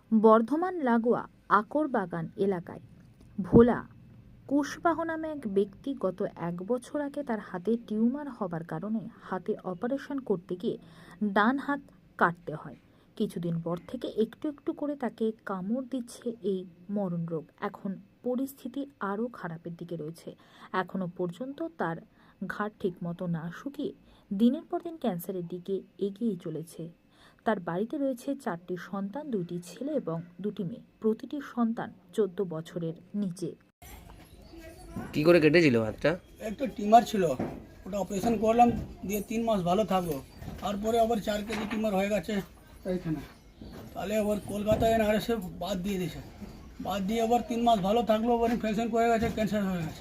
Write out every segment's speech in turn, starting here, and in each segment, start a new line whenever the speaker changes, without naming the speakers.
বর্ধমান লাগোয়া আকরবাগান এলাকায় ভোলা কুশবাহ নামে এক ব্যক্তি গত 1 বছর আগে তার হাতে টিউমার হবার কারণে হাতে অপারেশন করতে গিয়ে ডান হাত কাটতে হয়। কিছুদিন পর থেকে একটু একটু করে তাকে কামড় দিচ্ছে এই মরণ রোগ। এখন পরিস্থিতি আরও খারাপের দিকে রয়েছে। এখনো পর্যন্ত তার ঘাড় ঠিকমতো না শুকিয়ে দিনের পর দিন ক্যান্সারের দিকে এগিয়ে চলেছে। তার বাড়িতে রয়েছে 4টি সন্তান, 2টি ছেলে এবং 2টি মেয়ে। প্রতিটি সন্তান 14 বছরের নিচে।
কি করে কেটেছিল হাতটা?
একটা টিউমার ছিল, ওটা অপারেশন করলাম, দিয়ে 3 মাস ভালো থাকলো। তারপরে আবার 4 কেজি টিউমার হয়ে গেছে এইখানে। তাহলে আবার কলকাতায় এনআরএসে বাদ দিয়ে দিয়েছে। বাদ দিয়ে আবার 3 মাস ভালো থাকলো, আবার ইনফেকশন করে গেছে, ক্যান্সার হয়ে গেছে।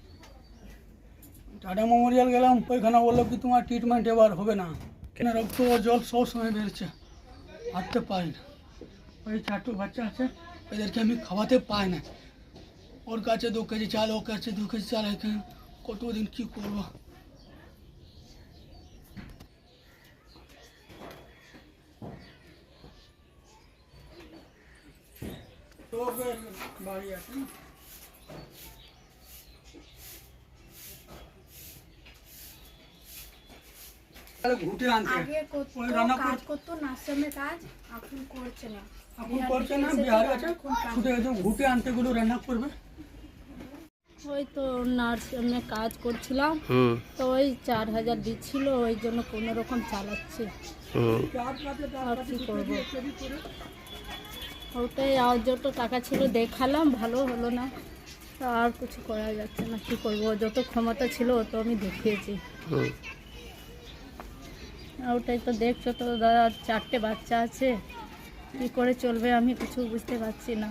টাটা মেমোরিয়াল গেলাম, ওইখানে বললো কি তোমার ট্রিটমেন্ট এবার হবে না, কেন রক্ত জল সব সময় বেরোচ্ছে, হাঁটতে পারি না। ওই 4টো বাচ্চা আছে, এদেরকে আমি খাওয়াতে পাই না। ওর কাছে 2 কেজি চাল, ওর কাছে 2 কেজি চাল, এখানে কতদিন কি করবো? বাড়ি আছে ঘুটে আনতে,
আগে কাজ করতো নার্সামে কাজ, এখন করছে না।
এখন করছে না, বিহারে আছে, ছুটে গেছে ঘুটে আনতে গুলো রান্না করবে।
ওই তো নার্সামে কাজ করছিলাম, তো ওই 4000 দিচ্ছিল, ওই জন্য কোনো রকম চালাচ্ছে। আর কি করবো, ওটাই আর যত টাকা ছিল দেখালাম, ভালো হলো না, তো আর কিছু করা যাচ্ছে না। কি করবো, যত ক্ষমতা ছিল তো আমি দেখিয়েছি। ওটাই তো দেখছো তো দাদা, 4টে বাচ্চা আছে, কি করে চলবে আমি কিছু বুঝতে পারছি না।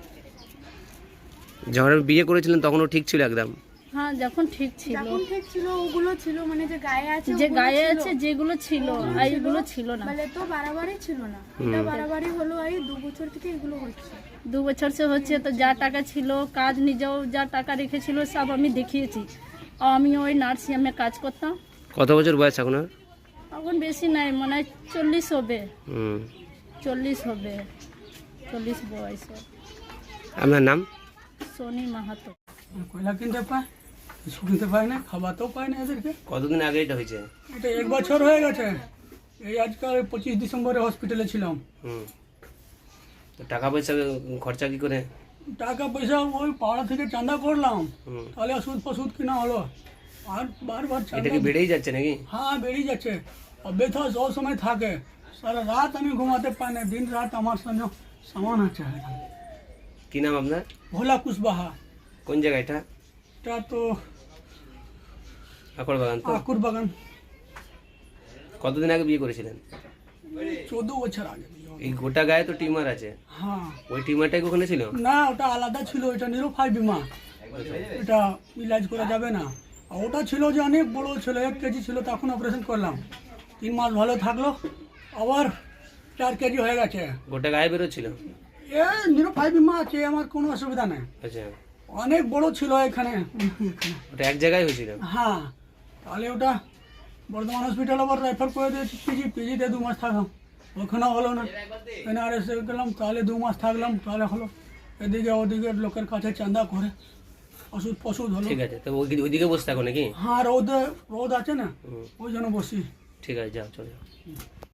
যখন বিয়ে করেছিলেন তখনও ঠিক ছিল একদম?
হ্যাঁ, যখন ঠিক ছিল,
ওগুলো ছিল, মানে যে গায়ে আছে,
যে গায়ে আছে যেগুলো ছিল, আর এগুলো ছিল না।
মানে তো বাড়াবাড়ি ছিল না, এটা বাড়াবাড়ি হলো এই 2 বছর থেকে এগুলো হচ্ছে।
2 বছর সে হচ্ছে, তো যা টাকা ছিল, কাজ নিজেও যা টাকা রেখেছিল সব আমি দেখিয়েছি। আমি ওই নার্সিংহোমে কাজ করতাম।
কত বছর বয়স এখন?
এখন বেশি নাই, মনে হয় 40 হবে। 40 হবে, 40 বয়স।
আপনার নাম?
সোনি মাহাতো।
কয়লা কিনতে পায়, কিছু কিনতে পায় না, খাওয়াতেও পায় না এদেরকে।
কতদিন আগে এটা হয়েছে?
এটা 1 বছর হয়ে গেছে। এই আজকাল 25 ডিসেম্বরে হসপিটালে ছিলাম।
তো টাকা পয়সা খরচা কি করে?
টাকা পয়সা ওই পাড়া থেকে চাঁদা করলাম, তাহলে ওষুধ ফষুধ কিনা হলো। আর বারবার
এটা কি বেড়েই যাচ্ছে নাকি?
হ্যাঁ, বেরিয়ে যাচ্ছে। আর ব্যথা সব সময় থাকে, সারা রাত আমি ঘুমাতে পাই না, দিন রাত আমার সঙ্গে সমান আছে।
কি নাম আপনার?
ভোলা কুশবাহা।
কোন জায়গা এটা?
এটা তো
আকরবাগান। তো
আকরবাগান।
কতদিন আগে বিয়ে করেছিলেন?
14 বছর আগে।
এই গোটা গায়ে তো টিউমার আছে,
হ্যাঁ।
ওই টিউমারটাই ওখানে ছিল?
না, ওটা আলাদা ছিল, এটা নিরুপায় বিমা, এটা ইলাজ করা যাবে না। আর ওটা ছিল যে অনেক বড় ছিল, 1 কেজি ছিল, তখন অপারেশন করলাম, 3 মাস ভালো থাকলো, আবার 4 কেজি হয়ে গেছে।
গোটা গায়ে বেরোচ্ছিল?
এ নিরুপায় বিমা আছে, আমার কোনো অসুবিধা নেই।
আচ্ছা,
অনেক বড় ছিল এখানে।
ওটা এক জায়গায় হয়েছিল?
হ্যাঁ, তাহলে ওটা বর্ধমান হসপিটাল আবার রেফার করে দিয়েছি পিজিতে 2 মাস থাকলাম, ওখানে হলো না। এনআরএসে গেলাম, তাহলে 2 মাস থাকলাম, তাহলে হলো। এদিকে ওদিকে লোকের কাছে চাঁদা করে ওষুধ ফষুধ হলো।
ঠিক আছে, তো ওইদিকে বসে থাকো নাকি?
হ্যাঁ, রোদ আছে না, ওই জন্য বসি।
ঠিক আছে, যাও, চলে যাও।